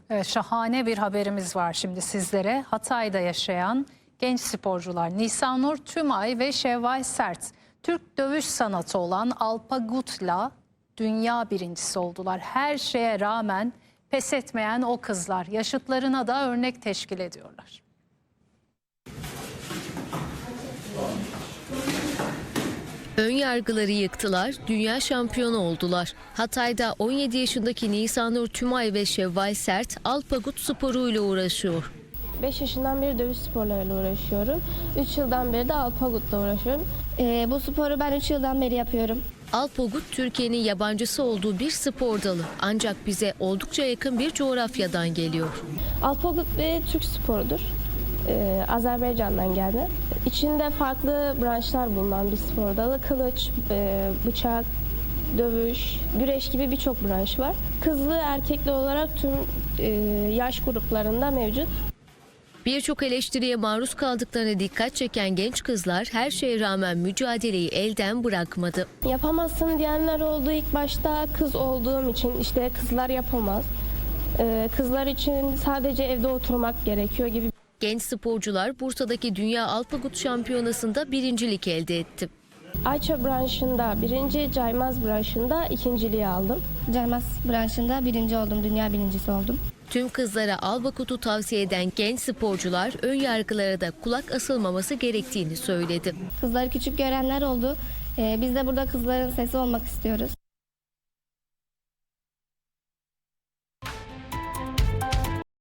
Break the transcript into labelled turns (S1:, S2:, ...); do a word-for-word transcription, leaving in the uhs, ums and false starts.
S1: Evet, şahane bir haberimiz var şimdi sizlere. Hatay'da yaşayan genç sporcular Nisanur Tümay ve Şevval Sert, Türk dövüş sanatı olan Alpagut'la dünya birincisi oldular. Her şeye rağmen pes etmeyen o kızlar yaşıtlarına da örnek teşkil ediyorlar.
S2: Ön yargıları yıktılar, dünya şampiyonu oldular. Hatay'da on yedi yaşındaki Nisanur Tümay ve Şevval Sert Alpagut sporuyla uğraşıyor.
S3: beş yaşından beri dövüş sporlarıyla uğraşıyorum. üç yıldan beri de Alpagut'la uğraşıyorum.
S4: Ee, bu sporu ben üç yıldan beri yapıyorum.
S2: Alpagut Türkiye'nin yabancısı olduğu bir spor dalı. Ancak bize oldukça yakın bir coğrafyadan geliyor.
S3: Alpagut bir Türk sporudur. Ee, Azerbaycan'dan gelme. İçinde farklı branşlar bulunan bir spor dalı. Kılıç, e, bıçak, dövüş, güreş gibi birçok branş var. Kızlı, erkekli olarak tüm e, yaş gruplarında mevcut.
S2: Birçok eleştiriye maruz kaldıklarına dikkat çeken genç kızlar her şeye rağmen mücadeleyi elden bırakmadı.
S3: Yapamazsın diyenler oldu ilk başta. Kız olduğum için işte kızlar yapamaz. Ee, kızlar için sadece evde oturmak gerekiyor gibi.
S2: Genç sporcular Bursa'daki Dünya Alpagut Şampiyonası'nda birincilik elde etti.
S3: Ayça branşında birinci, Caymaz branşında ikinciliği aldım.
S4: Caymaz branşında birinci oldum, dünya birincisi oldum.
S2: Tüm kızlara Alpagut'u tavsiye eden genç sporcular ön yargılara da kulak asılmaması gerektiğini söyledi.
S4: Kızları küçük görenler oldu. Ee, biz de burada kızların sesi olmak istiyoruz.